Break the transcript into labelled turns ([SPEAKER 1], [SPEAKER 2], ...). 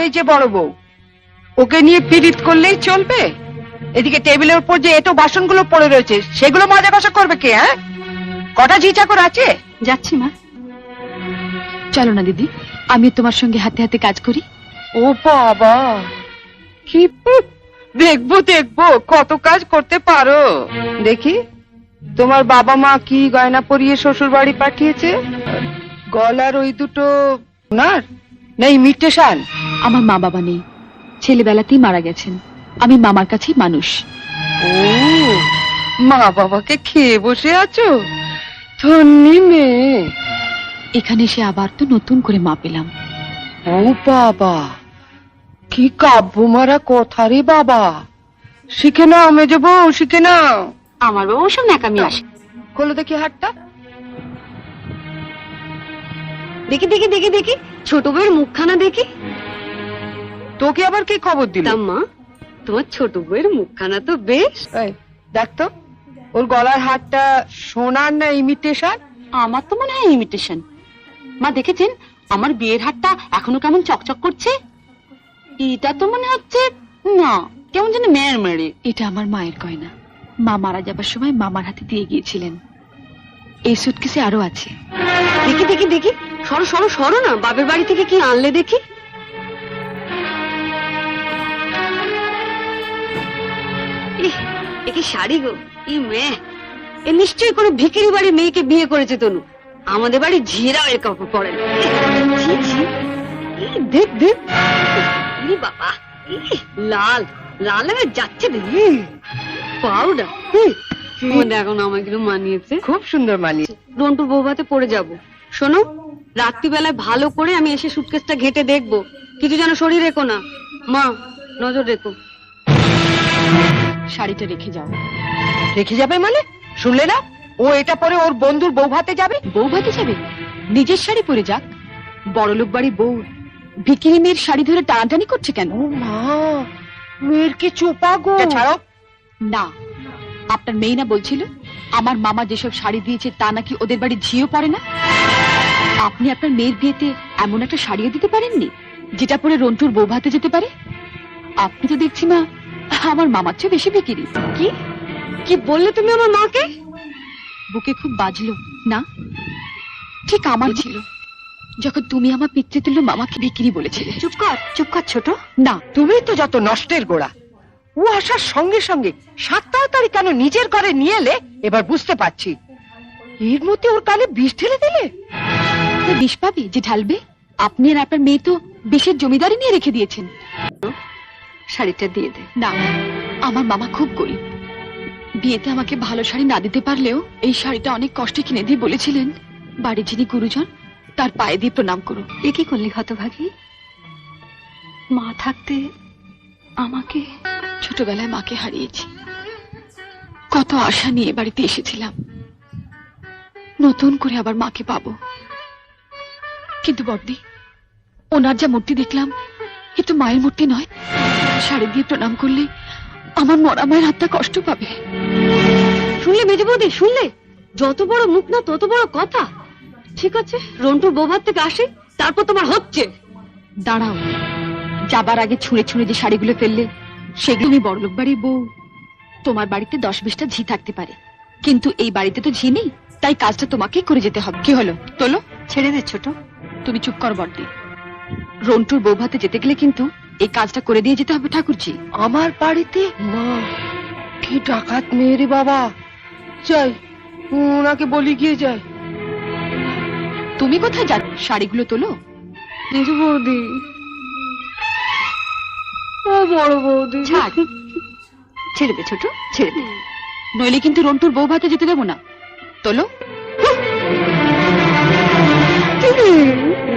[SPEAKER 1] এই যে বড় বউ, ওকে নিয়ে পীড়িত করলেই চলবে? এদিকে টেবিলের উপর যে এটো বাসনগুলো পড়ে রয়েছে সেগুলো মজা কষা করবে কে? হ্যাঁ, কটা ঝি চাকর আছে?
[SPEAKER 2] যাচ্ছি মা। চলো না দিদি, আমি তোমার সঙ্গে হাতে হাতে কাজ করি।
[SPEAKER 1] ও বাবা, কি দেখবো দেখবো কত কাজ করতে পারো। দেখি তোমার বাবা মা কি গয়না পরিয়ে শ্বশুর বাড়ি পাঠিয়েছে? গলার ওই দুটো ওনার নেই মিটেশান?
[SPEAKER 2] আমার মা বাবা নেই, ছেলেবেলাতেই মারা গেছেন। আমি মামার কাছেই মানুষ।
[SPEAKER 1] ও, মা বাবাকে খেয়ে বসে আছো? ধন্যি মেয়ে।
[SPEAKER 2] এখানে এসে আবার তো নতুন করে মা পেলাম।
[SPEAKER 1] ও বাবা, কি কাব্য মারা কথা রে বাবা। শিখে নাও মেজো বউ, শিখে নাও।
[SPEAKER 2] আমার বাবা ওসব ন্যাকামি আসে।
[SPEAKER 1] খোলো দেখি হাতটা।
[SPEAKER 3] দেখি দেখি দেখি দেখি ছোট বউয়ের মুখখানা দেখি।
[SPEAKER 1] তোকে আবার কি খবর দিল?
[SPEAKER 3] মা, তোমার ছোট বউয়ের মুখখানা তো বেশ।
[SPEAKER 1] এই, দেখ তো ওর গলার হারটা সোনার না ইমিটেশন?
[SPEAKER 2] আমার তো মনে হয় ইমিটেশন। মা দেখেছেন আমার বিয়ের হারটা এখনো কেমন চকচক করছে? এটা তো মনে হচ্ছে না, কেমন যেন মেয়ের মেরে। এটা আমার মায়ের গয়না, মা মারা যাবার সময় মামার হাতে দিয়ে গিয়েছিলেন। এই সুটকেসে আরো আছে।
[SPEAKER 3] দেখি দেখি দেখি, সরো সরো সরো না, বাপের বাড়ি থেকে কি আনলে দেখি। এ কি শাড়ি গো, ই মেয়ে, এ নিশ্চয়ই কোনো ভিখারি বাড়ির মেয়েকে বিয়ে করেছে তনু। আমাদের বাড়ি ঝিরাও এর কাপড় পরে না। ছি, ছি। দেখ দেখ, ই বাবা, লাল লাল হয়ে যাচ্ছে দেখি। পাউডার দেখো না, আমাকে মানিয়েছে,
[SPEAKER 1] খুব সুন্দর মানিয়ে।
[SPEAKER 3] রন্টুর বৌভাতে পড়ে যাব। শোনো, রাত্রিবেলায় ভালো করে আমি এসে সুটকেসটা ঘেটে দেখবো, কিছু যেন শরীর রেখো না। মা, নজর রেখো।
[SPEAKER 2] শাড়িটা রেখে যাও।
[SPEAKER 1] রেখে যাবে মানে? শুনলে না, ও এটা পরে ওর বন্ধুর বউ ভাতে যাবে।
[SPEAKER 2] বউ ভাতে যাবে? নিজের শাড়ি পরে যাক। বড়লোক বাড়ি বউ ভিকিরি মেয়ের শাড়ি ধরে টানাটানি করছে কেন?
[SPEAKER 1] ও মা, মেয়ের কি চোপা গো। ছাড়ো
[SPEAKER 2] না, আপনার মেয়ে না বলছিল আমার মামা যেসব শাড়ি দিয়েছে তা নাকি ওদের বাড়ি ঝিও পড়ে না? আপনি আপনার মেয়ের বিয়েতে এমন একটা শাড়িও দিতে পারেননি যেটা পরে রন্টুর বউ ভাতে যেতে পারে? আপনি তো দেখছি মা আমার মামার চেয়ে বেশি বিকিরি।
[SPEAKER 3] কি কি বললে তুমি আমার মাকে?
[SPEAKER 2] বুকে খুব বাজলো না? ঠিক আমার ছিল যখন তুমি আমার পিতৃতুল্য মামাকে বিক্রি বলেছিলে।
[SPEAKER 3] চুপ কর ছোট।
[SPEAKER 2] না,
[SPEAKER 1] তুমি তো যত নষ্টের গোড়া। ও আসার সঙ্গে সঙ্গে 7 তাড়াতাড়ি কেন নিজের ঘরে নিয়ে এলে এবার বুঝতে পারছি। এর মধ্যে ওর কানে বিষ ঢেলে দিলে।
[SPEAKER 2] বিষ পাবে যে ঢালবে? আপনি আর আপনার মেয়ে তো বিষের জমিদারি নিয়ে রেখে দিয়েছেন।
[SPEAKER 3] শাড়িটা দিয়ে দে।
[SPEAKER 2] না, আমার মামা খুব গরিব। বিয়েতে আমাকে ভালো শাড়ি না দিতে পারলেও এই শাড়িটা অনেক কষ্টে কিনে দিয়ে বলেছিলেন বাড়ির যিনি গুরুজন তার পায়ে দিয়ে প্রণাম করো।
[SPEAKER 3] এ কি করলি হতভাগী? মা থাকতে আমাকে।
[SPEAKER 2] ছোটবেলায় মাকে হারিয়েছি, কত আশা নিয়ে বাড়িতে এসেছিলাম নতুন করে আবার মাকে পাবো। কিন্তু বড়দি, ওনার যা মূর্তি দেখলাম এ তো মায়ের মূর্তি নয়। শাড়ি দিয়ে প্রণাম করলে আমার মরা মায়ের হাতটা কষ্ট পাবে।
[SPEAKER 3] শুনলে মেজে বৌদি, শুনলে? যত বড় মুখ না তত বড় কথা। ঠিক আছে, রন্টুর বৌভাত থেকে আসে, তারপর তোমার হচ্ছে।
[SPEAKER 2] দাঁড়াও, যাবার আগে ছুঁড়ে ছুঁড়ে যে শাড়িগুলো ফেললে সেগুলো আমি বড়লোক বাড়ির বউ। তোমার বাড়িতে 10-20টা ঝি থাকতে পারে, কিন্তু এই বাড়িতে তো ঝি নেই, তাই কাজটা তোমাকেই করে যেতে হবে। কি হলো, তোলো।
[SPEAKER 3] ছেড়ে দে ছোট।
[SPEAKER 2] তুমি চুপ কর বড়দি। রন্টুর বউ ভাতে যেতে গেলে কিন্তু এই কাজটা করে দিয়ে যেতে হবে ঠাকুরজি।
[SPEAKER 1] আমার বাড়িতে? মা, কি ডাকাত মেয়ে রে বাবা। যাই, ওনাকে বলি গিয়ে যাই।
[SPEAKER 2] তুমি কোথায় যাচ্ছ? শাড়িগুলো তোলো।
[SPEAKER 3] মেজে বৌদি, ও বড় বৌদি,
[SPEAKER 2] ছাড়।
[SPEAKER 3] ছেড়ে দে ছোট, ছেড়ে দে।
[SPEAKER 2] নইলে কিন্তু রন্টুর বউ ভাতে যেতে দেবো না। তোলো।